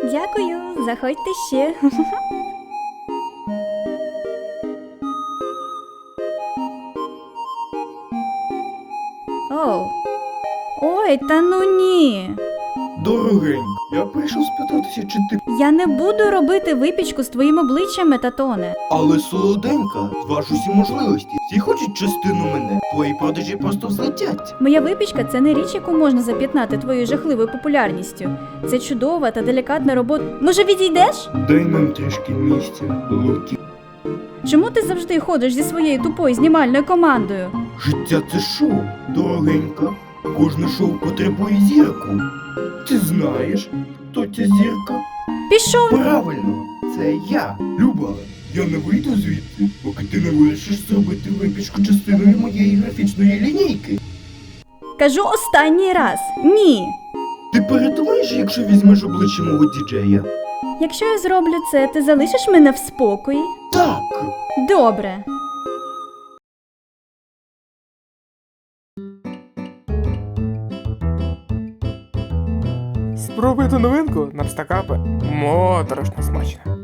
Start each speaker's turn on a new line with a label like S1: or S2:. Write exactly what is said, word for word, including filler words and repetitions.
S1: Дякую, заходьте ще. Оу. Ой, та ну ні.
S2: Дорогенька, я прийшов спитатися, чи ти...
S1: Я не буду робити випічку з твоїм обличчям, Метатоне.
S2: Але солоденька, зваж усі можливості. Всі хочуть частину мене. Твої продажі просто взлетять.
S1: Моя випічка – це не річ, яку можна зап'ятнати твоєю жахливою популярністю. Це чудова та делікатна робота. Може, відійдеш?
S2: Дай нам трішки місця, Лукі.
S1: Чому ти завжди ходиш зі своєю тупою знімальною командою?
S2: Життя це шоу, дорогенька. Кожне шоу потребує зірку. Ти знаєш, хто ця зірка?
S1: Пішов!
S2: Правильно, це я, Люба. Я не вийду звідти, поки ти не вирішиш зробити випічку частиною моєї графічної лінійки.
S1: Кажу останній раз. Ні!
S2: Ти передумаєш, якщо візьмеш обличчя мого діджея?
S1: Якщо я зроблю це, ти залишиш мене в спокої?
S2: Так.
S1: Добре.
S3: Спробуйте новинку на пстакапи. Моторошно смачно.